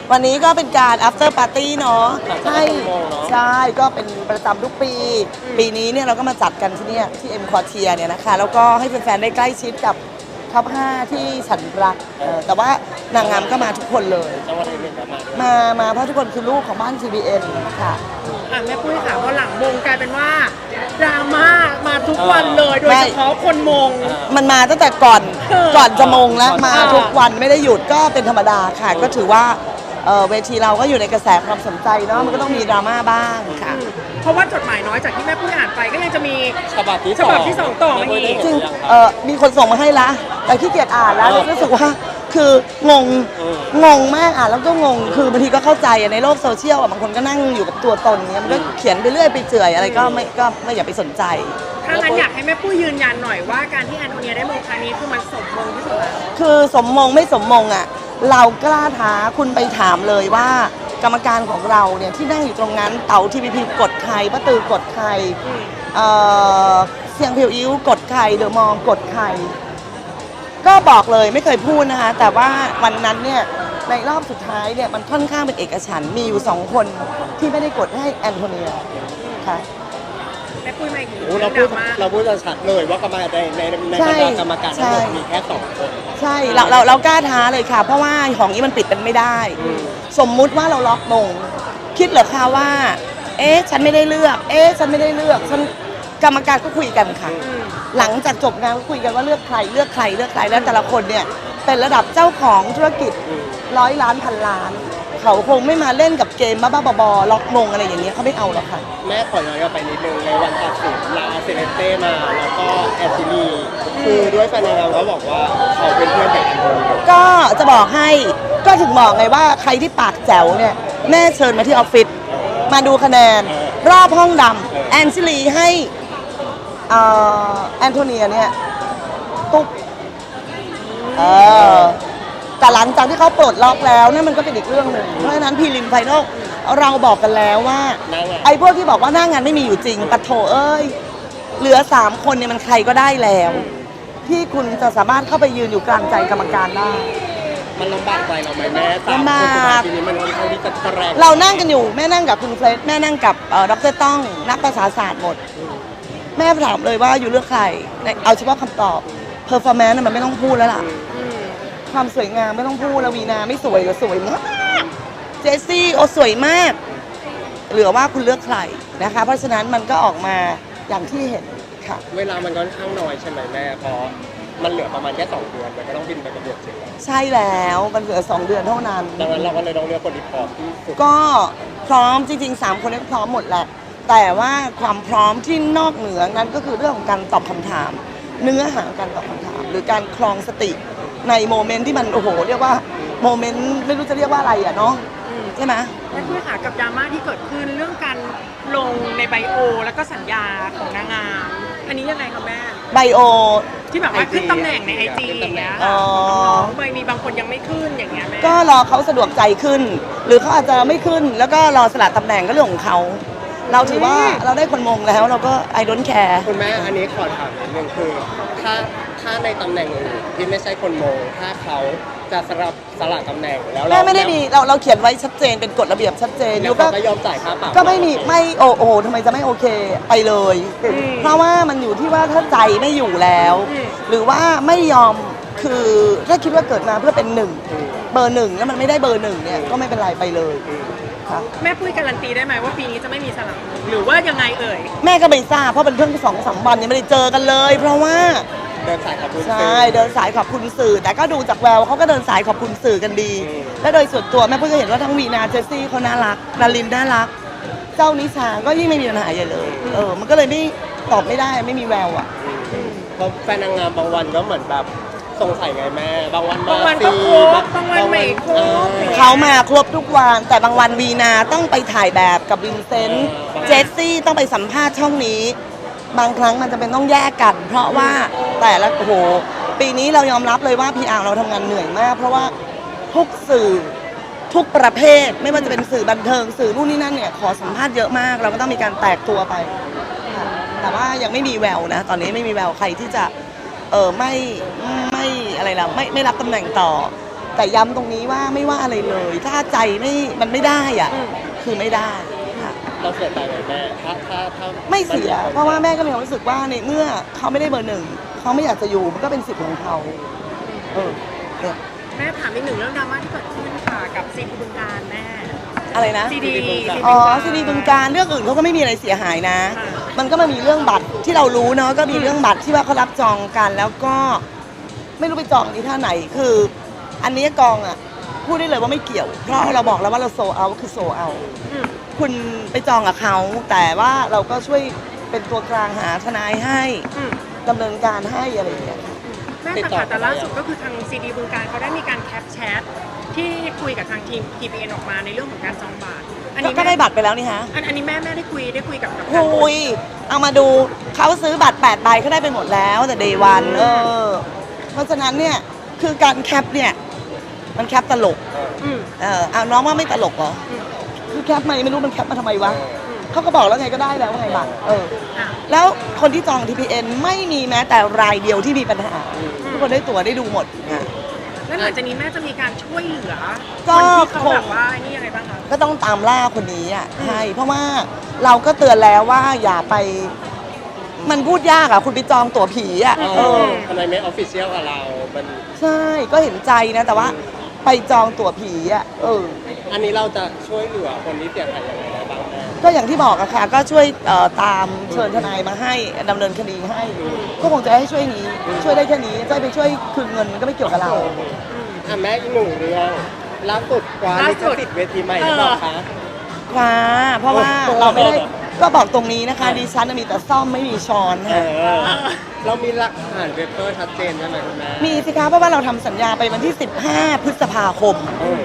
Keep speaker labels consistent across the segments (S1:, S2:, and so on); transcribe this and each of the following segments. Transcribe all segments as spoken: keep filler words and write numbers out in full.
S1: วันนี้ก็เป็นการ after party เนาะใช่ใช่ก็เป็นประจำทุกปี ปีนี้เนี่ยเราก็มาจัดกันที่เนี่ยที่ M Quartier เนี่ยนะคะแล้วก็ให้แฟนๆได้ใกล้ชิดกับท็อปห้าที่ฉันรักแต่ว่านางงามก็มาทุกคนเลยมามาเพราะทุกคนคือลูกของบ้าน ที บี เอ็น ค่ะ
S2: อ่ะแม่ปุ้ยค่ะพอหลังมงกลายเป็นว่าดราม่ามาทุกวันเลยโดยเฉพาะคนมง
S1: มันมาตั้งแต่ก่อนก่อนจะมงแล้วมาทุกวันไม่ได้หยุดก็เป็นธรรมดาค่ะก็ถือว่าเวทีเราก็อยู่ในกระแสความสนใจเนาะมันก็ต้องมีดราม่าบ้างค่ะ
S2: เพราะว่าจดหมายน้อยจากที่แม่ปุ้ยอ่านไปก็ยังจะมี
S3: ฉบับที่
S2: ฉบับที่สองต่อมาอีก
S1: จริงมีคนส่งมาให้ละแต่ขี้เกียจอ่านแล้วรู้สึกว่าคืองงงงมากอ่ะแล้วก็งงคือบางทีก็เข้าใจในโลกโซเชียลบางคนก็นั่งอยู่กับตัวตนเนี้ยมันก็เขียนไปเรื่อยไปเจื่อยอะไรก็ไม่ก็ไม่อย่าไปสนใจ
S2: ถ้างั้นอยากให้แม่ปุ้ยยืนยันหน่อยว่าการที่แอนโทเนียได้มงครั้งนี้คือมันสมมงที่สุดแล้ว
S1: คือสมมงไม่สมมงอ่ะเรากล้าท้าคุณไปถามเลยว่ากรรมการของเราเนี่ยที่นั่งอยู่ตรงนั้นเต๋าทีวีพีกดใครป้าตือกดใครเสียงเพียวอิ้วกดใครเดอะมองกดใครก็บอกเลยไม่เคยพูดนะคะแต่ว่าวันนั้นเนี่ยในรอบสุดท้ายเนี่ยมันค่อนข้างเป็นเอกฉันท์มีอยู่สองคนที่ไม่ได้กดให้แอนโทเนียค่ะ
S2: แม่ปุ้ยไม่เห็น
S3: เราพูดเราพูดจะชัดเลยว่ากรรมการในในในบรรดากรรมการทั้งหมดมีแค่สองคน
S1: ใช่เราเราเรากล้าท้าเลยค่ะเพราะว่าของนี้มันปิดเป็นไม่ได้สมมุติว่าเราล็อกมงคิดเหรอคะว่าเอ๊ะฉันไม่ได้เลือกเอ๊ะฉันไม่ได้เลือกฉันกรรมการก็คุยกันค่ะหลังจากจบงานก็คุยกันว่าเลือกใครเลือกใครเลือกใครแล้วแต่ละคนเนี่ยเป็นระดับเจ้าของธุรกิจร้อยล้านพันล้านเขาคงไม่มาเล่นกับเกมบ้าๆบอๆล็อกมงอะไรอย่างเงี้ยเขาไม่เอาหรอกค่ะ
S3: แม่ขอย้อนกลับไปนิดนึงในวันตัดสินลาเซเลเต้มาแล้วก็แอนติลีคือด้วยแฟนเราเขาบอกว่าเขาเป็นเพื่อนกับแอนโทเนีย
S1: ก็จะบอกให้ก็ถึงบอกไงว่าใครที่ปากแจ๋วเนี่ยแม่เชิญมาที่ออฟฟิศมาดูคะแนนรอบห้องดำแอนซิลีให้แอนโทเนียเนี่ยตุ๊บเออแต่หลังจากที่เขาปลดล็อกแล้วนั่นมันก็เป็นอีกเรื่องหนึ่งเพราะฉะนั้นพีริมไฟนอลเราบอกกันแล้วว่าไอ้พวกที่บอกว่าหน้างานไม่มีอยู่จริงปะโถเอ้ยเหลือสามคนเนี่ยมันใครก็ได้แล้วที่คุณจะสามารถเข้าไปยืนอยู่กลางใจกรรมการได้
S3: มันลำบากใจเราไหมแม่สามคนทีนี้มันค่อนข้างที่จะแรง
S1: เรานั่งกันอยู่แม่นั่งกับคุณเฟรดแม่นั่งกับดร.ต้องนักภาษาศาสตร์หมดแม่ถามเลยว่าอยู่เลือกใครเอาเฉพาะคำตอบเพอร์ฟอร์แมนซ์มันไม่ต้องพูดแล้วล่ะความสวยงามไม่ต้องพูดแล้ววีนาไม่สวยหรือสวยมากเจสซี่โอสวยมากเหลือว่าคุณเลือกใครนะคะเพราะฉะนั้นมันก็ออกมาอย่างที่เห็นค่ะ
S3: เวลามันค่อนข้างน้อยใช่ไหมแม่เพราะมันเหลือประมาณแค่สองเดือนมันก็ต้องบินไปประกวดจริง
S1: ใช่แล้วมันเหลือสองเดือนเท่านั้น
S3: ดังนั้นเราก็เลยต้องเลือกคนที่พร้อมที่สุด
S1: ก็พร้อมจริงๆสามคนนี้พร้อมหมดแหละแต่ว่าความพร้อมที่นอกเหนือนั้นก็คือเรื่องของการตอบคำถามเนื้อหาการตอบคำถามหรือการคลองสติในโมเมนต์ที่มันโอ้โหเรียกว่าโมเมนต์ไม่รู้จะเรียกว่าอะไรอ่ะเนาะใช่ไหม
S2: แม่ปุ้ยค่ะกับดราม่าที่เกิดขึ้นเรื่องการลงในไบโอแล้วก็สัญญาของนางงามอันนี้ยังไงคะแม่
S1: ไบโอ
S2: ที่แบบว่าขึ้นตำแหน่งในไอจีอย่างเงี้ยอ๋อไม่มีบางคนยังไม่ขึ้นอย่างเงี้ยแม่
S1: ก็รอเขาสะดวกใจขึ้นหรือเขาอาจจะไม่ขึ้นแล้วก็รอสละตำแหน่งก็เรื่องของเขาเราถือว่าเราได้คนมงแล้วเราก็ I don't care
S3: คุณแม่อันนี้ขอถามนิดนึงคือถ้าถ้าในตำแหน่งอื่นที่ไม่ใช่คนมงถ้าเขาจะสลับสลับตำแหน่งแล้ว
S1: เราไม่ได้มีเราเราเขียนไว้ชัดเจนเป็นกฎระเบียบชัดเจน
S3: แล้วก็ยอมจ่ายค่าปรับ
S1: ก็ไม่มีไม่โอ้โหทำไมจะไม่โอเคไปเลยเพราะว่ามันอยู่ที่ว่าถ้าใจไม่อยู่แล้วหรือว่าไม่ยอมคือถ้าคิดว่าเกิดมาเพื่อเป็นหนึ่งเบอร์หนึ่งแล้วมันไม่ได้เบอร์หนึ่งเนี่ยก็ไม่เป็นไรไปเลย
S2: แม่ปุ้ยการันตีได้ไหมว่าปีนี้จะไม่มีสลับหรือว่ายังไงเอ่ย
S1: แม่ก็ไม่ทราบเพราะเป็นเพิ่งสองสามวันยังไม่ได้เจอกันเลยเพราะว่า
S3: เดินสายขอบคุณ
S1: สื่อใช่เดินสายขอบคุณสื่อแต่ก็ดูจากแววเขาก็เดินสายขอบคุณสื่อกันดีและโดยส่วนตัวแม่ปุ้ยก็เห็นว่าทั้งวีนาเจสซี่เขาน่ารักนารินน่ารักเจ้านิชาก็ยิ่งไม่มีปัญหาใหญ่เลยเออมันก็เลยไม่ตอบไม่ได้ไม่มีแววอ่ะ
S3: เพราะแฟนนางงามบางวันก็เหมือนแบบสงสัยไงแม่บางวัน
S2: บางวันก็ครบบางวันไม่ครบ
S1: เขามาครบทุกวันแต่บางวันวีนาต้องไปถ่ายแบบกับวินเซนต์เจสซี่ต้องไปสัมภาษณ์ช่องนี้บางครั้งมันจะเป็นต้องแยกกันเพราะว่าแต่ละโอ้โหปีนี้เรายอมรับเลยว่า พี อาร์ เราทำงานเหนื่อยมากเพราะว่าทุกสื่อทุกประเภทไม่ว่าจะเป็นสื่อบันเทิงสื่อนู่นนี่นั่นเนี่ยขอสัมภาษณ์เยอะมากเราก็ต้องมีการแตกตัวไปแต่ว่ายังไม่มีแววนะตอนนี้ไม่มีแววใครที่จะเออไม่ไม่อะไรล่ะไม่ไม่รับตำแหน่งต่อแต่ย้ำตรงนี้ว่าไม่ว่าอะไรเลย ถ้าใจไม่มันไม่ได้อ่ะ
S2: อืม
S1: คือไม่ได้ค่ะ
S3: เราเสียใจไหมแม่ถ้าถ้าถ้า
S1: ไม่เสีย เพราะว่าแม่ก็มีความรู้สึกว่าในเมื่อเขาไม่ได้เบอร์หนึ่งเขาไม่อยากจะอยู่มันก็เป็นสิทธิ์ของเขาเออเนี่ย
S2: แม่ถามอีกหนึ่งเรื่องดราม่าที่เกิดขึ้นค่ะกับซีดีบึงการแม่
S1: อะไรนะ
S2: ซีดี
S1: อ๋อซีดีบึงการเรื่องอื่นเขาก็ไม่มีอะไรเสียหายนะ
S2: ค่ะ
S1: มันก็มามีเรื่องบัตรที่เรารู้เนาะก็มีเรื่องบัตรที่ว่าเขารับจองกันแล้วก็ไม่รู้ไปจองที่ท่าไหนคือ อันนี้กองอ่ะพูดได้เลยว่าไม่เกี่ยว เพราะเราบอกแล้วว่าเราโซเอาคือโซเอา
S2: อืม
S1: คุณไปจองกับเขาแต่ว่าเราก็ช่วยเป็นตัวกลางหาทนายให้
S2: อืม
S1: ดำเนินการให้อะไรอย่างเงี้ย
S2: แม่แต่ค่ะแต่ล่าสุดก็คือทางซีดีบึงการเขาได้มีการแคปแชทที่คุยกับทางทีม ที พี เอ็น ออกมาในเรื่องของการจองบัตรอันนี้
S1: ก็ได้
S2: แม่
S1: บัตรไปแล้วนี่ฮะ
S2: อันอันนี้แม่แม่ได้คุยได้คุยกับกับทาง
S1: คุยเอามาดูเขาซื้อบัตรแปดใบเขาได้ไปหมดแล้วแต่เดย์วันเออเพราะฉะนั้นเนี่ยคือการแคปเนี่ยมันแคปตลก
S2: อืม
S1: เออเอาน้องว่าไม่ตลกเหรอ
S2: อืม
S1: คือแคปมาไม่รู้มันแคปมาทำไมวะ
S2: อืม
S1: เขาก็บอกแล้วไงก็ได้แล้วว่าไงบัตรเออ
S2: อ่ะ
S1: แล้วคนที่จอง ที พี เอ็น ไม่มีแม้แต่รายเดียวที่มีปัญหา ทุกคนได้ตั๋วได้ดูหมดค่ะ
S2: แล้วหลังจากนี้แม่จะมีการช่วยเหลือ
S1: ก็
S2: คนที่เขา
S1: คง
S2: แบบว่าไอ้นี่ยังไงบ้างคะ
S1: ก็ต้องตามล่าคนนี้อ่ะใช่เพราะว่าเราก็เตือนแล้วว่าอย่าไป มันพูดยากอ่ะ คุณไปจองตั๋วผีอ่ะ
S3: เอ
S1: เอ
S3: อ
S1: อ
S3: ทำไมไม่ออฟฟิเชียลกับเรา มัน
S1: ใช่ก็เห็นใจนะ แต่ว่าไปจองตั๋วผีอ่ะเออ
S3: อันนี้เราจะช่วยเหลือคนที่เสียหายยังไงได้บ้างแม่
S1: ก็อย่างที่บอกอะค่ะ ก็ช่วยเอ่อตามเชิญทนายมาให้ดำเนินคดีให้ ก็คงจะให้ช่วยนี้ ช่วยได้แค่นี้จะไปช่วยคืนเงินมันก็ไม่เกี่ยวกับเรา
S3: อ่ะแม่อีกหนึ่งเรื่องล่าสุดกว่าลิขสิทธิ์เวทีใหม่หรือเปล่าคะ
S1: คว้าเพราะว่าเราไม่ได้ก็บอกตรงนี้นะคะดิฉันน่ะมีแต่ซ่อมไม่มีช้อน
S3: เอ
S1: ค่ะ
S3: อ เรามีหลักฐานเปเปอร์ชัดเจนใช่ไหมคุณแม่
S1: มีสิคะเพราะว่าเราทำสัญญาไปวันที่ สิบห้า พฤษภาคม
S3: เออน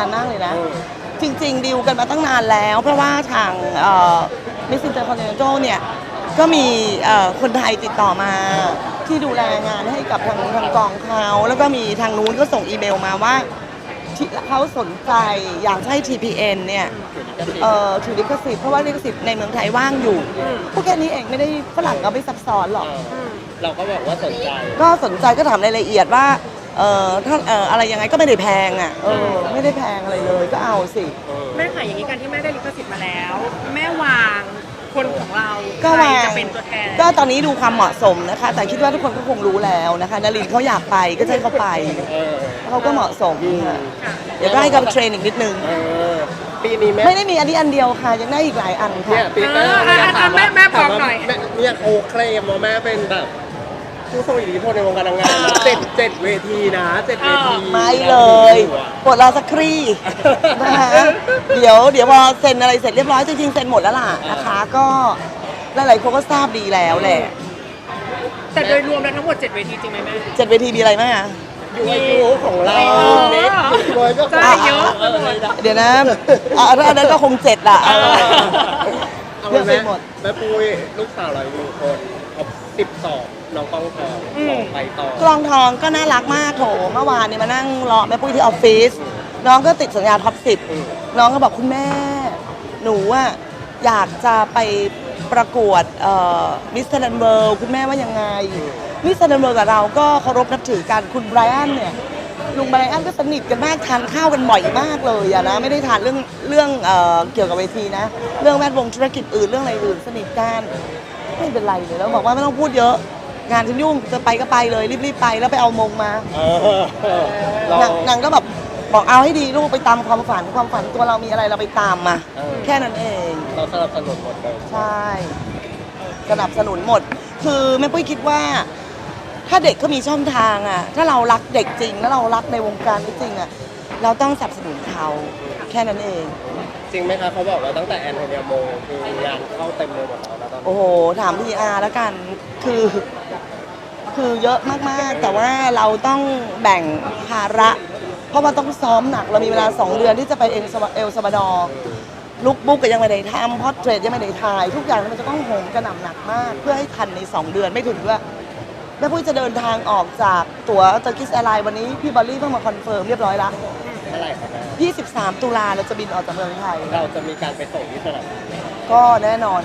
S1: านมากเลยนะ
S3: เออ
S1: จริงๆดีลกันมาตั้งนานแล้ว เพราะว่าทางมิสซินเตอร์คอนเนโตเนี่ยก็มีเอ่อคนไทยติดต่อมาที่ดูแลงานให้กับทางทางกองเขาแล้วก็มีทางนู้นก็ส่งอีเมลมาว่าที่เขาสนใจอยากจะให้ ที พี เอ็น เนี่ย เอ่อถือลิขสิทธิ์เพราะว่าลิขสิทธิ์ในเมืองไทยว่างอยู่พวกแค่นี้เองไม่ได้ฝรั่งก็ไม่ซับซ้อนหรอก
S3: เออเราก็บอกว่าสนใจ
S1: ก็สนใจก็ถามรายละเอียดว่าเอ่อถ้าเอ่ออะไรยังไงก็ไม่ได้แพงอ่ะเออไม่ได้แพงอะไรเลยก็เอาสิ
S2: แม่ค่ะอย่างนี้การที่แม่ได้ลิขสิทธิ์มาแล้ว แม่วางคนของเรา
S1: ก็
S2: ใคร
S1: วาง
S2: จะเป็นตัวแทน
S1: ก็ตอนนี้ดูความเหมาะสมนะคะ แต่คิดว่าทุกคนก็คงรู้แล้วนะคะนลินทร์เขาอยากไปก็จะให้เขาไป
S3: เออ
S1: เขาก็เหมาะสมค่ะ
S2: ค่ะ
S1: เดี๋ยวก็ให้เขาไปเทรนอีกนิดนึง
S3: เออ ปีนี้แม่
S1: ไม่ได้มีอันนี้อันเดียวค่ะ ยังได้อีกหลายอัน
S3: เนี่
S1: ค่ะ
S3: ยปี
S2: เออ
S3: หน้า
S2: อ่ะอ่ะแม่แม่บอกหน่อย
S3: แม่เนี่ยเขาเคลมว่าแม่เป็นแบบผู้ทรงอิทธิพลในวงการนางงามนะเจ็ดเจ็ดเวทีนะเจ็ดเวที
S1: ไม่เลยปวดรอสักครี่นะคะเดี๋ยวเดี๋ยวพอเซ็นอะไรเสร็จเรียบร้อยจริงๆเซ็นหมดแล้วล่ะนะคะ ก็หลายๆคนก็ทราบดีแล้วแหละ
S2: แต่โดยรวมแล้วทั้งหมดเจ็ดเวทีจริงไหมแม่
S1: เจ็ดเวทีมีอะไรบ้างอะ
S3: ยูไอยูของเรา
S2: เออ
S3: เน็กบอยก็
S2: ใช่เยอะ
S3: เออเลยนะ
S1: เดี๋ยวนะอ่ะถ้าอันนั้นก็คงเจ็ดละ
S3: เออ เอา
S1: เลือกไป
S3: แม่
S1: หมด
S3: แม่ปุ้ยลูกสาวเราอยู่คนครบสิบสองน้องกล้องทองสองไปต่อก
S1: ลองทองก็น่ารักมากโถเมื่อวานเนี่ยมานั่งรอแม่ปุ้ยที่ออฟฟิศน้องก็ติดสัญญาท็อปสิบน้องก็บอกคุณแม่ หนูอะอยากจะไปประกวดมิสเตอร์ดันเบิร์คุณแม่ว่ายังไงมิสเตอร์ดันเบิร์กับเราก็เคารพนับถือกันคุณไบรอันเนี่ยลุงไบรอันก็สนิทกันมากทานข้าวกันบ่อยมากเลยอะนะไม่ได้ทานเรื่องเรื่องเอ่อเกี่ยวกับเวทีนะ เรื่องแวดวงธุรกิจอื่นเรื่องอะไรอื่นสนิทกันไม่เป็นไรเลยแล้วบอกว่าไม่ต้องพูดเยอะ งานฉันยุ่งจะไปก็ไปเลยรีบๆไปแล้วไปเอามงมา
S3: เออเรา
S1: นางนางก็แบบบอกเอาให้ดีลูกไปตามความฝันความฝันตัวเรามีอะไรเราไปตามมา
S3: เออ
S1: แค่นั้นเอง
S3: เราสนับสนุนหมดเลย
S1: ใช่ สนับสนุนหมด คือแม่ปุ้ยคิดว่า ถ้าเด็กก็มีช่องทางอ่ะ ถ้าเรารักเด็กจริงแล้วเรารักในวงการนี้จริงอ่ะ เราต้องสนับสนุนเขาแค่นั้นเอง
S3: จริงไหมคะเขาบอกว่าตั้งแต่แอนโทเนียโมคืองานเข้าเต็มเลยหมดแล้วนะตอนนี้
S1: โอ้โห ถามพีอาร์แล้วกัน คือ คือเยอะมากๆ แต่ว่าเราต้องแบ่งภาระ เพราะว่าต้องซ้อมหนัก เรามีเวลาสองเดือนที่จะไปเอลซาเอลซาบาดอร์ลุกบุ๊กก็ยังไม่ได้ทำพอร์เทรตยังไม่ได้ถ่าย ทุกอย่างมันจะต้องโหมกระหน่ำหนักมาก เพื่อให้ทันในสองเดือนไม่ถึงด้วยแม่ปุ้ยจะเดินทางออกจากตั๋วเตอร์กิสแอร์ไลน์วันนี้พี่บอลลี่เพิ่งมาคอนเฟิร์มเรียบร้อยแล้ว
S3: เท่าไหร่ครับแม่
S1: ยี่สิบสามตุลาเราจะบินออกจากเมืองไทย
S3: เราจะมีการไปส่งที่สนามบิน
S1: ก็แน่นอนค่ะ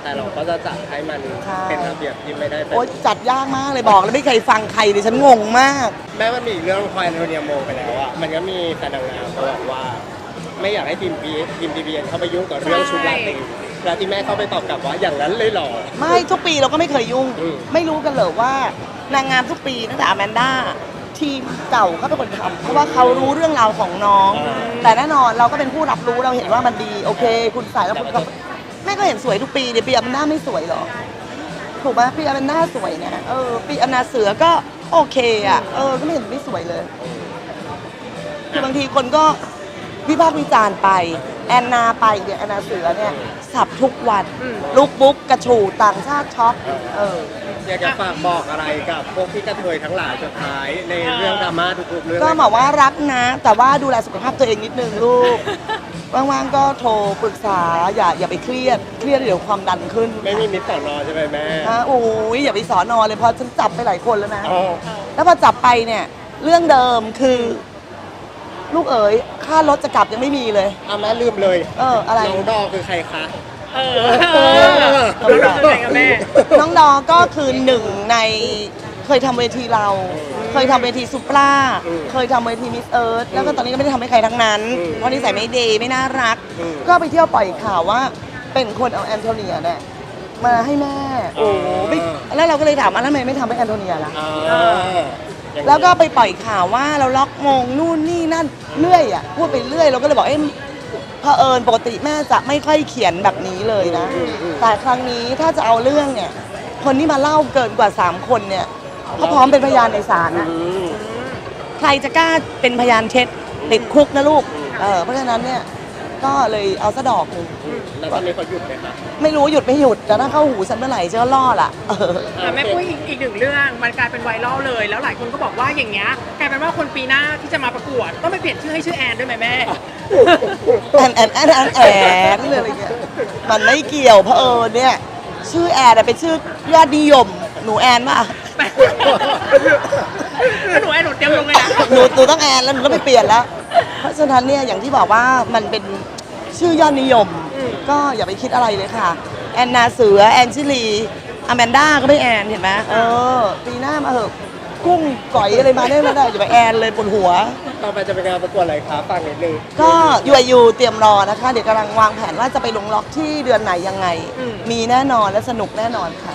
S3: แต่เราก็จะจัดให้มัน
S1: ใช่
S3: เป็นระเบียบที่ไม่ได้เป็น
S1: โอ๊ยจัดยากมากเลยบอกแล้วไม่เคยฟังใครเลยฉันงงมาก
S3: แม้มันมีอีกเรื่องพอแอนโทเนียโมไปแล้วอะมันก็มีแฟนนางงามเขาบอกว่า ไม่อยากให้ทีมพีทีมทีบีเอ็นเข้าไปยุ่งกับเรื่องชุดราตรีแล้วที่แม่เข้าไปตอบกลับว่าอย่างนั้นเลยเหรอ
S1: ไม่ทุกปีเราก็ไม่เคยยุ่ง
S3: อืม
S1: ไม่รู้กันเลยว่านางงามทุกปีตั้งแต่อแมนด้าทีมเก่าเขาเป็นคนทำเพราะว่าเขารู้เรื่องราวของน้อง แต่แน่นอนเราก็เป็นผู้รับรู้เราเห็นว่ามันดีโอเค คุณใส่แล้วคุณก็แม่ก็เห็นสวยทุกปีเดี๋ยวปีอแมนด้าไม่สวยเหรอถูกไหมปีอแมนด้าสวยนะเออปีอนาเสือก็โอเคอ่ะเออก็ไม่เห็นไม่สวยเลย คือบางทีคนก็วิพากษ์วิจารณ์ไป แอนนาไปเนี่ยแอนนาเสือเนี่ยสับทุกวันลุกบุ๊กกระฉูดต่างชาติช็อปเออ
S3: อยากจะฝากบอกอะไรกับพวกที่กระเทยทั้งหลายสุดท้ายในเรื่องดราม่าทุกๆเรื่อง
S1: ก็บอกว่ารักนะ แต่ว่าดูแลสุขภาพตัวเองนิดนึงลูก ว่างๆก็โทรปรึกษาอย่าอย่าไปเครียดเครียดเดี๋ยวความดันขึ้น
S3: ไม่มีมิตรสอนอใช่ไหมแม่
S1: นะโอ้ยอย่าไปสอนอเลยเพราะฉันจับไปหลายคนแล้วนะ
S3: อ๋อ
S1: แล้วพอจับไปเนี่ยเรื่องเดิมคือ ลูกเอ๋ยค่ารถจะกลับยังไม่มีเลย
S3: เอาแม่ลืมเลย
S1: เอออะไร
S3: น้องดอคือใครคะ
S2: เออเออเราคือไงกับแม่
S1: น้องดอก็คือหนึ่งในเคยทำเวทีเรา เคยทำเวทีซุปราเคยทำเวทีมิสเอิร์ธแล้วก็ตอนนี้ก็ไม่ได้ทำให้ใครทั้งนั้น เพราะนิสัยไม่ดีไม่น่ารัก ก็ไปเที่ยวปล่อยข่าวว่าเป็นคนเอาแอนโทเนียเนี่ยมาให้แม่ โอ้ไม่แล้วเราก็เลยถามว่าแล้วทำไมไม่ทำให้แอนโทเนียล่ะ
S3: อ่าอย่างนี้
S1: แล้วก็ไปปล่อยข่าวว่าเราล็อกมงนู่นนี่นั่นเรื่อยอ่ะพูดไปเรื่อยเราก็เลยบอกเอ๊ะเผอิญปกติแม่จะไม่ค่อยเขียนแบบนี้เลยนะ แต่ครั้งนี้ถ้าจะเอาเรื่องเนี่ย คนที่มาเล่าเกินกว่าสามคนเนี่ยเขาพร้อมเป็นพยานในศาลนะ
S3: อืม
S1: ใครจะกล้าเป็นพยานเท็จติดคุกนะลูกเออเพราะฉะนั้นเนี่ยก็เลยเอาซะดอกหนึ่ง
S3: แล้วตอนนี้เขาหยุดไหมคะ
S1: ไม่รู้หยุดไม่หยุดแต่ถ้าเข้าหูฉันเมื่อไหร่ฉันก็ล่อละเออ
S2: แต่แม่ปุ้ยอีกอีกหนึ่งเรื่องมันกลายเป็นไวรัลเลย แล้วหลายคนก็บอกว่าอย่างเงี้ยกลายเป็นว่าคนปีหน้าที่จะมาประกวดต้องไปเปลี่ยนชื่อให้ชื่อแอนด้วยไหมแม่
S1: แอนแอนแอนแอนแอนเลยอะไรเงี้ยมันไม่เกี่ยวเพราะเออเนี่ย ชื่อแอนอะเป็นชื่อยอดนิยม หนูแอนป่ะ
S2: แล้วหนูแอนหนูเตรียมลงเลยนะ
S1: หนูหนูต้องแอนแล้วหนูต้องไปเปลี่ยนแล้ว เพราะฉะนั้นเนี่ยอย่างที่บอกว่ามันเป็นชื่อยอดนิยม ก็อย่าไปคิดอะไรเลยค่ะ แอนนาเสือแอนชิลีอแมนด้าก็ไม่แอนเห็นไหมเออปีหน้ามาเหอะกุ้งก๋อยอะไรมาได้มาได้อย่าไปแอนเลยปวดหัว
S3: ต่อไปจะเป็นงานประกวดอะไรคะฟังนิดนึง
S1: ก็ยูไอยูเตรียมรอนะคะ เดี๋ยวกำลังวางแผนว่าจะไปลงล็อกที่เดือนไหนยังไง มีแน่นอนและสนุกแน่นอนค่ะ